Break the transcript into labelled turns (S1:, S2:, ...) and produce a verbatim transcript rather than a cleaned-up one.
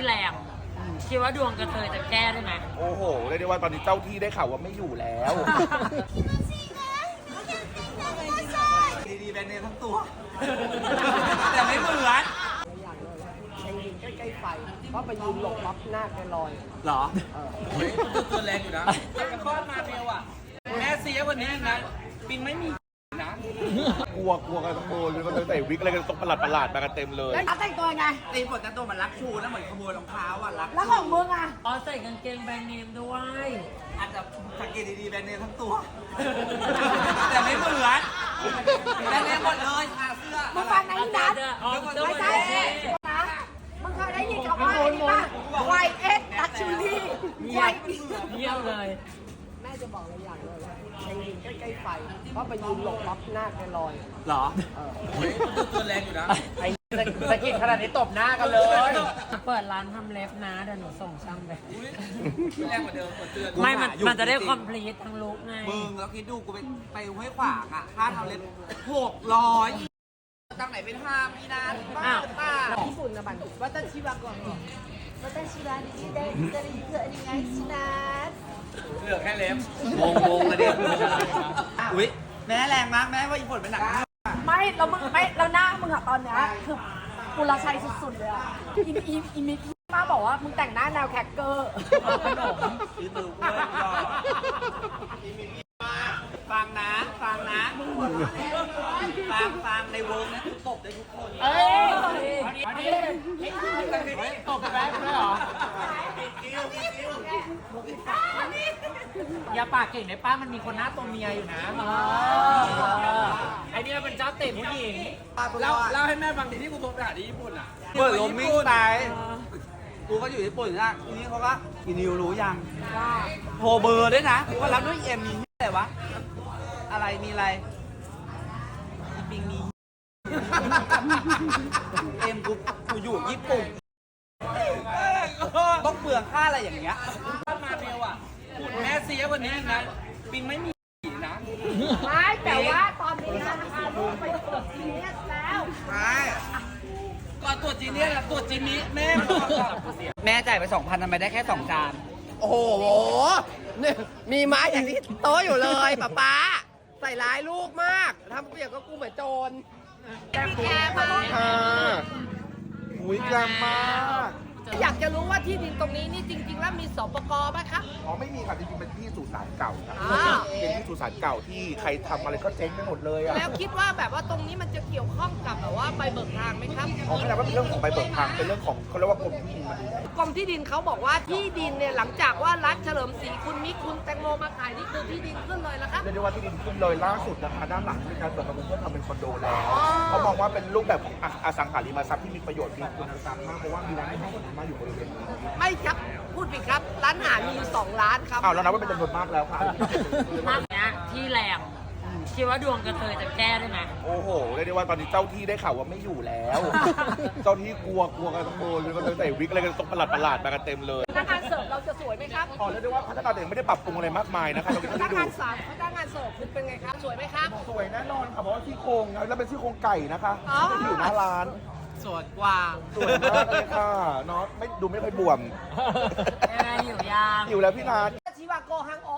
S1: แรงคิดว่าดวงกระเทยจะแก้ได้ไหม
S2: โอ้โหเรียกได้ว่าตอนนี้เจ้าที่ได้ข่าวว่าไม่อยู่แล้ว
S3: ดีๆแบรนด์เนมทั้งตัวแต่ไม่เหมือน
S4: อย่างเลยไปยืนใกล้ๆไฟเพราะไปยืนหลบปั๊บหน้าแกลอย
S3: หรอเฮ้ยตัวแรงอยู่นะแต่กระคอนมาเร็วอ่ะแม่เสียวันนี้นะปิงไม่มีนะ
S2: กลัวกลัวกันทั้งโบนเลยมันใส่วิกอะไรกันตกประหลาดประหลาดมากันเต็มเลย
S4: แล้วแต่งตัวไง
S3: ตีฝนแต่ตัวมันรักชูนะเหมือนขโมยรองเท้าอ่ะรัก
S4: แล้วของมึงอ่ะ
S1: อ๋อใส่กางเกงแบรนด์เนมด้วย
S3: อาจจะสังเกตดีๆแบรนด์เนมทั้งตัวแต่ไม่เหมือนแบรนด์เนมหมดเลยค่ะเสื้อ
S4: มึงฟังนะอีนัท
S1: ไม่ใช่
S4: นะมึงเคยได้ยินคำว่าอะไรป่ะไวเอ็กดัชชูรี่ไว
S1: เยี่ยมเลย
S4: แม่จะบอกอะไรอย่างเลยไปยืนใกล้ๆไฟเพราะไปยืนหลบปั๊บหน้าแกลอย
S3: หรอเฮ้ยตัวแรงอยู่นะ
S4: ไอ้สกิดขนาดนี้ตบหน้ากันเลย
S1: เปิดร้านทำเล็บนะเดี๋ยวหนูส่งช่างไป
S3: แรงกว่าเดิมกว่าเตือน
S1: ไม่มันมันจะได้คอมพลีททั้งลุกไง
S3: มึงแล้วคิดดูกูไปไปห้วยขวางอ่ะค่าทำเล็บหกร้อยตั้งไหนเป็นห้ามีนานบ้าบ้า
S4: ญี่ปุ่นนะบันวัตชิวะก่อนวัตชิวะนี่ได้ได้เกิดยังไงชินัท
S3: เหลือแค่เล็บงงงงเลยเนี่ยอุ้ยแม่แรงมากแม่ว่าญี่ปุ่นเป็นหนัก
S4: ไม่เรามึงไม่เราหน้ามึงอะตอนเนี้ยคือกุลชัยสุดๆเลยอะอีอีอีมิกมาบอกว่ามึงแต่งหน้าแนวแคคเกอร์
S3: ขนมซื้อตือเว้ยฟังนะฟังนะฟังฟังในวงนะตบได้ทุกคน
S4: เอ้ย
S3: ตบแป๊บเลยเหรอ
S1: อย่าปากเก่งในป้ามันมีคนหน้าตัวเมียอยู่นะไอเนี้ยเป็นเจ้าเตะผู้หญิง
S3: เล่าเล่าให้แม่ฟังทีที่กูโทรไปหาที่ญี่ปุ่นอ่ะเปิดลมมิ่งไปกูก็อยู่ญี่ปุ่นนะทีนี้เขาก็อีนิวรู้ยังโทรเบอร์ด้วยนะกูก็รับด้วยเอ็มมีอะไรวะอะไรมีอะไรอีปิงมีเอ็มกูกูอยู่ญี่ปุ่นต้องเปลืองค่าอะไรอย่างเงี้ยมาเร็วอ่ะคุณแม่เสียวันนี้นะปิงไม่มีนะ
S4: ไม่แต่ว่าตอนนี้นะคะลูกไปตรวจจีเนียสแล้ว
S3: ไม่ก่อนตรวจจีเนียสตรวจจีนี้แม่แม่จ่ายไปสองพันทำไมได้แค่สองจาน
S4: โอ้โหเนี่ยมีไม้อย่างที่โต๊ะอยู่เลยป๊าป๊าใส่ร้ายลูกมากทำเปรียบกับกูเหมือนโจร
S2: แต่คุณค่ะอุ้ยกลางมาก
S4: อยากจะรู้ว่าที่ดินตรงนี้นี่จริงๆแล้วมีสปก.ไหมครับ
S2: อ๋อไม่มีค่ะจริงๆเป็นที่สุสานเก่าครับเป็นที่สุสานเก่าที่ใครทำอะไรก็เจ๊งไปหมดเลยอะ
S4: แล้วคิดว่าแบบว่าตรงนี้มันจะเกี่ยวข้องกับแบบว่าใบเบิกทางไหมครับ
S2: อ๋อไม่ใช่ว่าเป็นเรื่องของใบเบิกทางเป็นเรื่องของเขาเรียกว่ากรมที่ดินมาดู
S4: กรมที่ดินเขาบอกว่าที่ดินเนี่ยหลังจากว่ารัฐเฉลิมศรีคุณมิกคุณแตงโมมาขายนี่คือที่ดินขึ้นเลยแล้วครับ
S2: เรียกได้ว่าที่ดินขึ้นเลยล่าสุดนะคะด้านหลังมีการเปิดประมูลเพื่อทำเป็นคอนโดแล้วเขามองว่าเป็นรูปแบบของอสังหาริมทรัพย์ที่มีประโยชน์มีคุณภาพมากเพราะว่ามีร้านอาหารมาอยู่บริเวณนี้
S4: ไม่ครับพูดผิดครับร้านอาหารมีอยู่สองร้านครับ
S2: อ้าวแล้วนับว่าเป็นจำนวนมากแล้วค่ะ
S1: มากเนี้ยที่แรงคิดว่าดวงกระเทยจะแก้ได้ไหม
S2: โอ้โหเรียกได้ว่าตอนนี้เจ้าที่ได้ข่าวว่าไม่อยู่แล้ว เจ้าที่กลัวกลัวกันทั้งโบนเลยมันใส่วิกอะไรกันตกประหลาดประหลาดมากันเต็มเลย
S4: พนักงานเสิร์ฟเราจะสวยไหมครับ
S2: อ๋อเรียกได้ว่าพนักงานเสิร์ฟไม่ได้ปรับปรุงอะไรมากมายนะคะเรา
S4: พนักงานสาวพนักงานเสิร์ฟคุณเป็นไงครับสวยไหมครับ
S2: สวยแน่นอนค่ะเพราะว่าซี่โครงแล้วเป็นซี่โครงไก่นะคะที่อยู่หน้าร้าน
S3: สวยกว่า
S2: สวยมากเลยค่ะเนาะไม่ดูไม่ค่อยบวม
S1: อยู่ยาง
S2: อยู่แล้วพี่นัท
S4: ชิวาโกฮังโอ